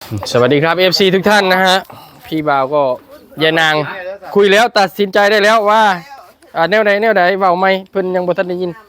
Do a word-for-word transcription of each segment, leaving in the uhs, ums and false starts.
สวัสดีครับ เอฟ ซี ทุกท่านนะฮะพี่บ่าวก็ยายนางคุยแล้วตัดสินใจได้แล้วว่าอ่าแนวใดแนวใดเบาไม่เพิ่นยังบ่ทันได้ยิน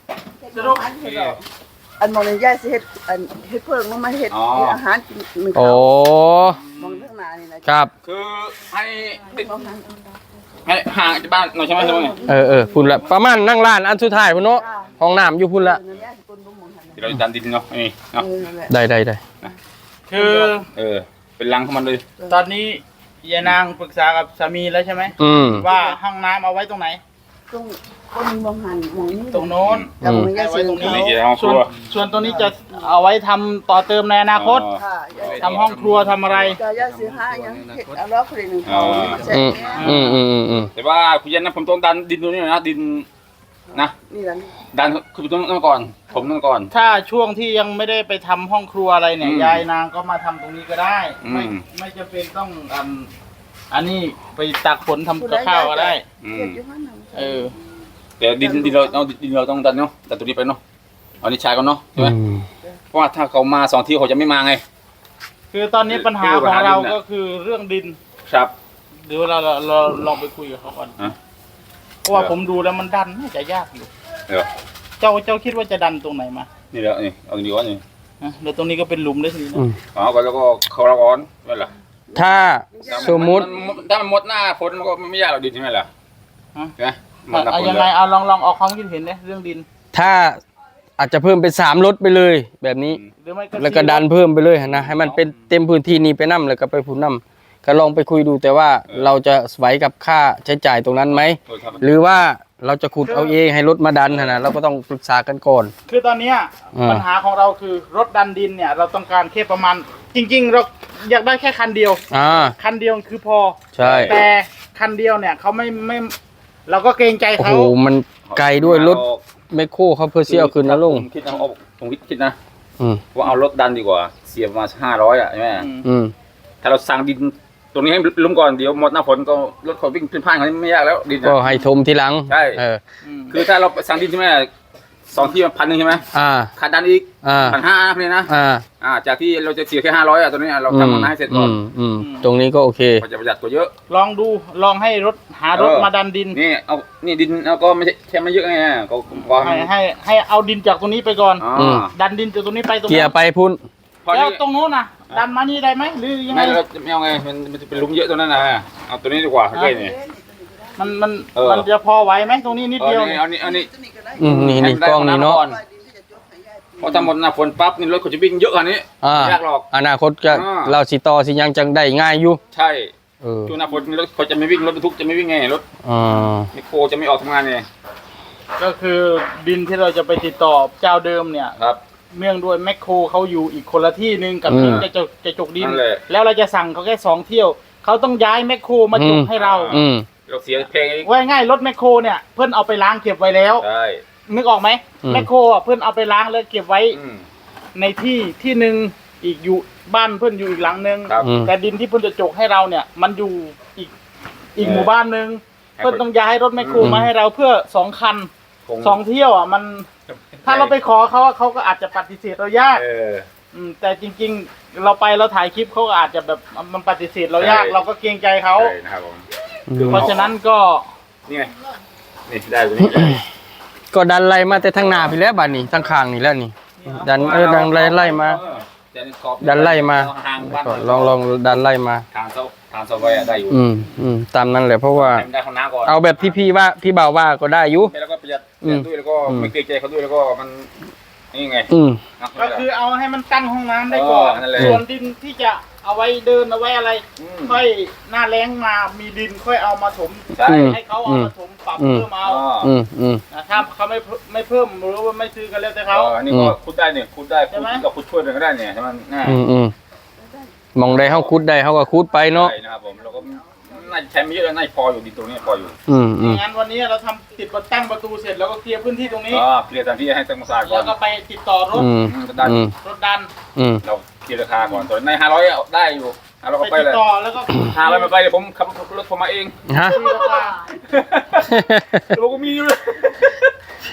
อันมองในย่าสิเฮ็ดอันเฮ็ดเพิ่งมาเฮ็ดอาหารกินมื้อโอ้เช้ามองข้างหน้านี่นะครับคือให้ติดให้ห่างจากบ้านหน่อยใช่ไหมใช่ไหมเออเออพุ่นละประมาณนั่งร้านอันสุดท้ายพุ่นเนาะห้องน้ำอยู่พุ่นละเดี๋ยวเราจะดันดินเนาะนี่เนาะได้ได้ได้คือเออเป็นรังของมันเลยตอนนี้ยายนางปรึกษากับสามีแล้วใช่ไหมอืมว่าห้องน้ำเอาไว้ตรงไหนตรงคนมองหันมองนี่ตรงโน้นแล้วมองย่าสิไว้ตรงนี้นี่จะห้องคส่วนรัวส่วนตรงนี้จะเอาไว้ทำต่อเติมในอนาคตค่ะทำห้องครัวทำอะไรก็ย่าสิหาหยังเฮ็ดเอาล้อคนนึงเขาเสร็จอืมอืมอืมอืมแต่ว่าคุณยันนะผมต้องดันดินตรงนี้นะดินนะนี่ล่ะดันคือต้องนั่นก่อนผมนั่นก่อนถ้าช่วงที่ยังไม่ได้ไปทำห้องครัวอะไรเนี่ยอืมยายนางก็มาทำตรงนี้ก็ได้ ไม่อืมไม่จำเป็นต้องอืมอันนี้ไปตักฝนทำกับข้าวก็ได้อืเฮ็มดอยู่หั่นน่ะเออแต่ดินดินเราเอาดินเราต้องดันเนาะดันตัวนี้ไปเนาะเอานี่ชายก่อนเนาะใช่ไหมอืมเพราะว่าถ้าเขามาสองทีเขาจะไม่มาไงคือตอนนี้ปัญหาของเราก็คือเรื่องดินครับเดี๋ยวเราเราเราลองไปคุยกับเขาก่อนฮะเพราะว่าผมดูแล้วมันดันน่าจะยากอยู่เดี๋ยวเจ้าเจ้าคิดว่าจะดันตรงไหนมานี่แล้วนี่เอาดีกว่านี่ฮะเดี๋ยวตรงนี้ก็เป็นหลุมเลยทีนี้อืนะมเอาก่อนแล้วก็เขาเราก่อนไม่ล่ะถ้าสมมุติถ้ามันหมดหน้าฝนมันก็ไม่ยากหรอกดินใช่ไหมล่ะฮะใช่ไหมหมดหน้าเอาฝนยังเลไงยเอาลองลองออกความคิดเห็นเนี่ยเรื่องดินถ้าอาจจะเพิ่มเป็นสามรถไปเลย แบบนี้หรือไม่ก็แล้วก็ดันเพิ่มไปเลยนะให้มันเป็นเต็มพื้นที่นี้ไปนํแล้วก็ไปพูนนํก็ลองไปคุยดูแต่ว่าเราจะไหวกับค่าใช้จ่ายตรงนั้นไหมเออครับหรือว่าเราจะขุดเอาเองให้รถมาดันนะนะเราก็ต้องปรึกษากันก่อนคือตอนเนี้ยอ่าปัญหาของเราคือรถดันดินเนี่ย เราต้องการแค่ประมาณ จริง ๆ เราอยากได้แค่คันเดียวอ่าคันเดียวคือพอใช่แต่คันเดียวเนี่ยเขาไม่ไม่เราก็เกรงใจโอ้เขาโหมันไกลด้วยรถแมคโครเขาเพื่อเสียเอาคืนนะลุงผมคิดนะเอาผมคิดคิดนะอืมว่าเอารถดันดีกว่า เสียประมาณห้าร้อยอ่ะใช่ไหมอืมอืมถ้าเราสั่งดินตรงนี้ให้ล้มก่อนเดี๋ยวหมดหน้าฝนก็รถเขาวิ่งเป็นผ่านเขาไม่ยากแล้วดินก็อะให้ทมทีหลังใช่เอออืมคือถ้าเราสั่งดินใช่ไหมสองที่พันหนึ่งใช่ไหมอ่าขาดดันอีกอ่าพันห้าพี่นะอ่าอ่าจากที่เราจะเสียแค่ห้าร้อยอ่ะตรงนี้เราทำมันให้เสร็จก่อนมอืมตรงนี้ก็โอเคมันจะประหยัดกว่าเยอะลองดูลองให้รถหารถเออมาดันดินนี่เอานี่ดินเอาก็ไม่ใช่แค่ไม่เยอะไงก็ก็ให้ให้ให้เอาดินจากตรงนี้ไปก่อนอ๋อมดันดินจากตรงนี้ไปตรงเกียนู้ร์นไปพุ่นพอแล้วนี้ตรงนู้นน่ะ ดันมานี่ได้ไหมหรือยังไงไม่เราจะไม่เอาไงมันมันจะเป็นหลุมเยอะตรงนั้นนะเอาตัวนี้ดีกว่าใกล้นี่มันมันเออมันจะพอไหวไหมตรงนี้นิดเอาเดียวนี่เอานี่เอานี่อืมนี่นี่กล้องนี่เนาะพอทำหมดหน้าฝนปั๊บนี่รถเขาจะวิ่งเยอะกว่านี้อ่าไม่ยากหรอกอนาคตก็อ่าเราสิต่อสิยังจังได้ง่ายอยู่ใช่เออช่วงหน้าฝนรถเขาจะไม่วิ่งรถบรรทุกจะไม่วิ่งไงรถอ่าไมโครจะไม่ออกทำงานไงก็คือดินที่เราจะไปติดต่อเจ้าเดิมเนี่ยครับเนื่องด้วยแมคโครเขาอยู่อีกคนละที่หนึ่งกับที่จะจกจะจกดินนั่นแหละแล้วเราจะสั่งเขาแค่สองเที่ยวเขาต้องย้ายแมคโครมาจกให้เราอืมเราเสียเพลงอีกว่าง่ายรถแมคโครเนี่ยเพื่อนเอาไปล้างเก็บไว้แล้วใช่นึกออกไหมอืมแมคโครอ่ะเพื่อนเอาไปล้างแล้วเก็บไว้อืมในที่ที่หนึ่งอีกอยู่บ้านเพื่อนอยู่อีกหลังหนึ่งครับอืมแต่ดินที่เพื่อนจะจกให้เราเนี่ย มันอยู่อีกอีกเออหมู่บ้านหนึ่งให้เพื่อนต้องย้ายรถแมคโครอืมมาให้เราเพื่อสองคันคงสองเที่ยวอ่ะมัน ถ้าเราไปขอเขาอะเขาก็อาจจะปฏิเสธเรายากเอออืมแต่จริงๆ เราไปเราถ่ายคลิปเขาก็อาจจะแบบมันปฏิเสธเรายากใช่เราก็เกรงใจเขาใช่นะครับผมเพราะฉะนั้นก็นี่ไงนี่ได้ตัวนี้ก็ดันไล่มาแต่ทางหน้าพี่แล้วบัดนี้ทางข้างนี่แล้วนี่ ดันเออดันไล่ไล่มาเออแต่นี่ขอบดันไล่มาทางบ้านลองลองดันไล่มาทางเสาทางเสาไฟอะได้อยู่อืมอืมตามนั้นแหละเพราะว่าให้มันได้ข้างหน้าก่อนเอาแบบที่พี่ว่าพี่บ่าวว่าก็ได้อยู่แล้วก็ประหยัดอืมด้วยแล้วก็อืมไม่เกรงใจเขาด้วยแล้วก็มันนี่ไงอืมนะก็คือเอาให้มันตั้งห้องน้ำได้ก่อนเออนั่นแหละส่วนดินที่จะเอาไว้เดินเอาไว้อะไรอืมค่อยหน้าแล้งมามีดินค่อยเอามาถมใช่อืมให้เขาเอามาถมปรับอืมเพิ่มเอาอ๋ออืมอืมนะถ้าเขาไม่เพิ่มไม่เพิ่มหรือว่าไม่ซื้อกันแล้วแต่เอเขาอนี่อืก็มคุดได้เนี่ยคุดได้ใช่คุดไหมกับคุดช่วยกันก็ได้เนี่ยใช่ไหมน่าอืมอืมมองได้เฮาคุดได้เฮาก็คุดไปเนาะใช่นะครับผมเราก็น่าจะใช้ไม่เยอะแล้วน่าจะพออยู่ดินตรงนี้พออยู่อืมอืมงั้นวันนี้เราทำติดประตั้งประตูเสร็จแล้วก็เคลียร์พื้นที่ตรงนี้อ๋อเคลียร์ตามที่ให้ตั้งมาสาก่อแล้นวก็ไปติดต่อรถอืมอืมก็ได้อืมรถดันอืมเราเคลียร์ราคาก่อนตอนในห้าร้อยได้อยู่ห้าร้อยไปก็ไปติเลดยต่อแล้วก็ห้าร้อยไม่ไปเดี๋ยวผมขับรถผมมาเองฮะคุยราคาเราก็มีอยู่เลย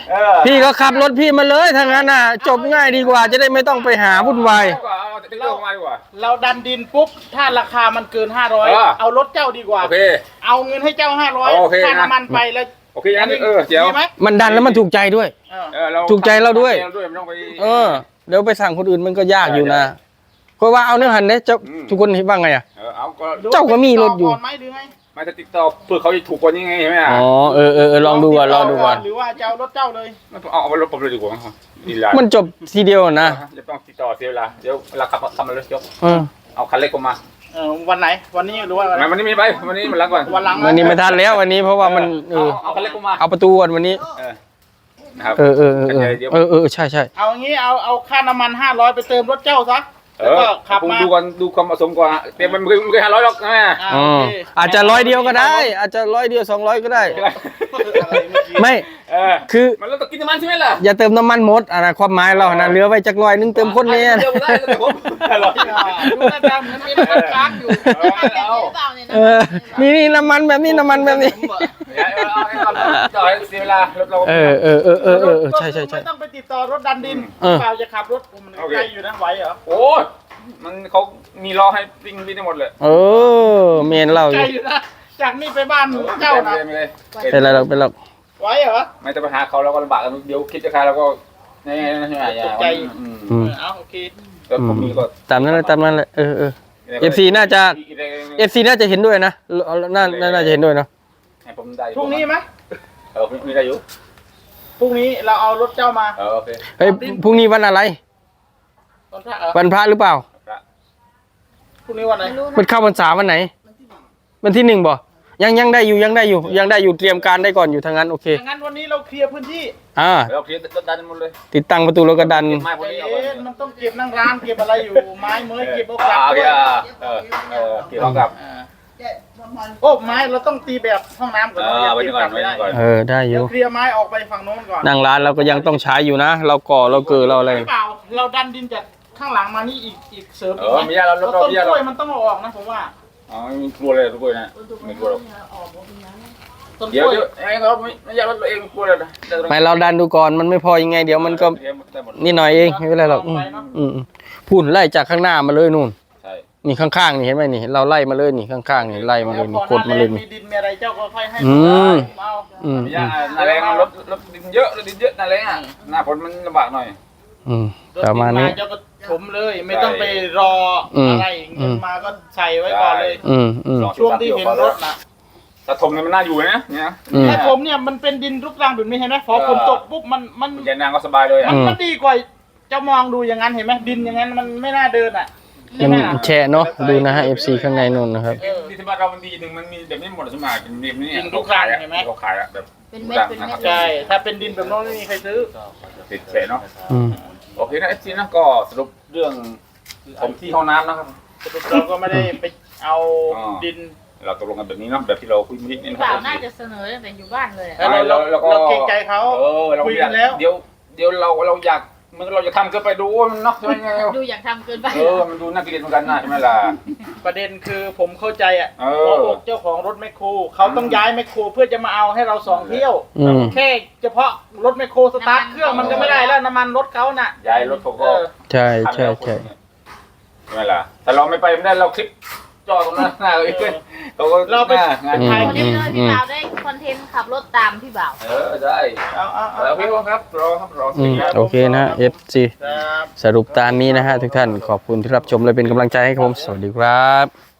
เออพี่ก็ขับรถพี่มาเลยทางนั้นน่ะ จบง่ายดีกว่าจะได้ไม่ต้องไปหาวุ่นวายดีกว่าเอาติ๊กเกอร์มาดีกว่าเราดันดินปุ๊บถ้าราคามันเกินห้าร้อยเออเอารถเจ้าดีกว่าโอเคเอาเงินให้เจ้าห้าร้อยโอเคค่านะน้ำมันไปแล้วโอเคงั้นเออเดี๋ยวดีไหมมันดันแล้วมันถูกใจด้วยเออเออเราถูกใจเราด้วยเราด้วยไม่ต้องไปเออเดี๋ยวไปสั่งคนอื่นมันก็ยากอยู่นะเพราะว่าเอาเนื้อหันเนี่ยเจ้าอืมทุกคนคิดว่าไงอ่ะเออเอาก็เจ้าก็มีรถอยู่ก่อนไหมหรือไงไม่จะติดต่อเพื่อเขาจะถูกกว่านี้ไงใช่ไหมอ่ะอ๋อเออเออเออลองดูก่อนลองดูก่อนหรือว่าจะเอารถเจ้าเลยไม่เอาเอารถผมเลยดีกว่าดีละมันจบทีเดียวนะจะต้องติดต่อเสียเวลาเดี๋ยวเวลาขับขับมาเลยยกเออเอาคันเล็กออกมาเออวันไหนวันนี้หรือว่าอะไรไม่วันนี้ไม่ไปวันนี้มันล้างก่อนวันหลังวันนี้ไม่ทันแล้ววันนี้เพราะว่ามันเอเอาอเอาคันเล็กออกมาเอาประตูก่อนวันนี้เออนะครับเออเออเออเออเออเออใช่ใช่เอางี้เอาเอาค่าน้ำมันห้าร้อยไปเติมรถเจ้าซะเอแล้วอก็ขับผมมาดูก่อนดูความเหมาะสมก่อนเต็มมันไม่เคยไม่เคยห้าร้อยหรอกนะอ่าอ๋อโอเคอาจจะร้อยเดียวก็ได้ อาจจะร้อยเดียวสองร้อยก็ได้อะไรเมื่อกี้ไม่เออคือมันเราต้องกินน้ำมันใช่ไหมล่ะอย่าเติมน้ำมันหมดอ่ะนะความหมายเรานะเหลือไว้จักร้อยนึงเติมคนนี้เดียวได้แต่ผมอร่อยอ่าดูหน้าตาเหมือนมีน้ำมันค้างอยู่เอาเออนี่นี่น้ำมันแบบนี้น้ำมันแบบนี้เอาเอาให้ความต่อให้เสียเวลารถเราเออเออเออเออเออเออใช่ใช่ใช่ไม่ต้องไปติดต่อรถดันดินเออเปล่าจะขับรถมันไกลอยู่นะไหวเหรอโอ้ยมันเขามีล้อให้วิ่งวิ่งได้หมดเลยเออเมนเราอไกลยู่อยู่นะจากนี่ไปบ้านเจ้านะไม่เลยเป็นไรหรอกเป็นไรหรอกไหวเหรอไม่ต้องไปหาเขาแล้วก็ลำบากกันเดี๋ยวคิดจะขายแล้วก็นี่ใช่ไหมอย่าใจอืมอืมเอาโอเคแต่ผมมีก็ตามนั้นเลยตามนั้นเลยเออเออ เอฟซีน่าจะ เอฟซีน่าจะเห็นด้วยนะน่าน่าจะเห็นด้วยเนาะให้ผมได้พรุ่งนี้ไหมเออพรุ่งนี้ได้อยู่พรุ่งนี้เราเอารถเจ้ามาเออโอเคเฮ้ยพรุ่งนี้วันอะไรตอนพระเหรอวันพระหรือเปล่าพรุ่งนี้วันไหนมันเข้าพรรษาวันไหนวันที่หนึ่งบ่ยังยังได้อยู่ยังได้อยู่ยังได้อยู่เตรียมการได้ก่อนอยู่ทางนั้นโอเคอย่างนั้นวันนี้เราเคลียร์พื้นที่อ่าเราเคลียร์รถดันหมดเลยติดตั้งประตูแล้วก็ดันเก็บไม้พวกใจนี้เอาเย็นไว้มันต้องเก็บนั่งร้านเก็บอะไรอยู่ไม้เมยเก็บเอากลับอ่าโอด้เควยอ่าเออเออเก็บเอากลับอ่าแกะประมาณโอ้ไม้เราต้องตีแบบห้องน้ำก่อนอ่าเราไว้เก็บก่อกลันบไว้ไม่ได้ก่อนเออได้อเดี๋ยยู่วเคลียร์ไม้ออกไปฝั่งโน้นก่อนนั่งร้านเราก็ยังต้องใช้อยู่นะ เราก่อเราเกิดเราอะไรหรือเปล่าเราดันดินจากข้างหลังมานี่อีกอีกเสริมเออีกอไหมมียาเราแล้วเราต้นมียาก เราล้วยมันต้องเอาออกนะผมว่าอ๋อมีกลัวเลยกลัวนะไม่กลัวหรอกต้นกเดี๋ยวล้วยเดี๋ยวไอ้เราไม่ไม่อยากรถตัวเองกลัวเลยนะไม่เราดันดูก่อนมันไม่พอยังไง เดี๋ยวมันก็นิดหน่อยเองไม่เป็นไรหรอกอืมอืมอืมพูดไล่จากข้างหน้ามาเลยนู่นใช่นี่ข้างๆนี่เห็นไหมนี่เราไล่มาเลยนี่ข้างๆนี่ไล่มาเลยนี่กดมาเลยมีนี่ดินมีอะไรเจ้าก็ค่อยให้อืมเอาอืมมียาหน้าแรงรถรถดินเยอะรถดินเยอะหน้าแรงอ่ะหน้าฝนมันลำบากหน่อยอืมรถประมาณนี้เจ้าก็ถมเลย ไม่ต้องไปรออืมอะไรเงินมาก็ใส่ไว้ก่อนเลยอืมอืมช่วงที่เห็นรถนะถ้าถมเนี่ยมันน่าอยู่นะเนี่ยอืมแต่ผมเนี่ยมันเป็นดินรูปร่างแบบนี้เห็นไหมพอฝนตกปุ๊บมันมันเดินนางก็สบายเลยอ่ะมันมันดีกว่าจะมองดูอย่างนั้นเห็นไหมดินอย่างนั้นมันไม่น่าเดินอ่ะมันแชะเนาะดูนะฮะ เอฟ ซี ข้างในนู่นนะครับเออที่ที่บ้านเรามันดีหนึ่งมันมีแบบนี้หมดสมัยเป็นแบบนี้ดินทุกครั้งเห็นไหมเขาขายอะแบบเป็นเม็ดเป็นเม็ดใช่ถ้าเป็นดินแบบโน้นไม่มีใครซื้อติดเฉยเนาะอืมโอเคนะเอฟซีนะก็สรุปเรื่องผมที่ห้องน้ำนะครับสรุปเราก็ไม่ได้ไปเอาอ๋อดินเราตกลงกันแบบนี้เนาะแบบที่เราคุยเมื่อกี้นี่พี่นะคบ่ารัวบน่าจะเสนอตั้งแต่อยู่บ้านเลยอะแล้วเราเราเราเกรงใจเขาเออเราคุยอยากักนแล้วเดี๋ยวเดี๋ยวเราเราอยากมันเราจะทำเกินไปดูว่ามันเนาะใช่ไหมดูอยากทำเกินไปเออมันดูน่าเกลียดเหมือนกันนะใช่ไหมล่ะประเด็นคือผมเข้าใจอ่ะเออหัวอกเจ้าของรถแมคโครเขาต้องย้ายแมคโครเพื่อจะมาเอาให้เราสองเที่ยวอืมแค่เฉพาะรถแมคโครสตาร์ทเครื่องมันก็ไม่ได้แล้วน้ำมันรถเขาน่ะย้ายรถเขาเอก็อใช่ใช่ใช่ใช่ไหมล่ะแต่เราไม่ไปไม่ได้เราคลิปจอตรงหน้าหน้าเราอีกเขาก็เราไปงานอืมวันนี้เลยพี่บ่าวได้คอนเทนต์ขับรถตามพี่บ่าวเออได้เอาเอาเอาแล้วพี่ว่าครับรอครับรออืมโอเคนะ เอฟ ซีครับสรุปตามนี้นะฮะทุกท่านขอบคุณที่รับชมและเป็นกำลังใจให้ผม สวัสดีครับ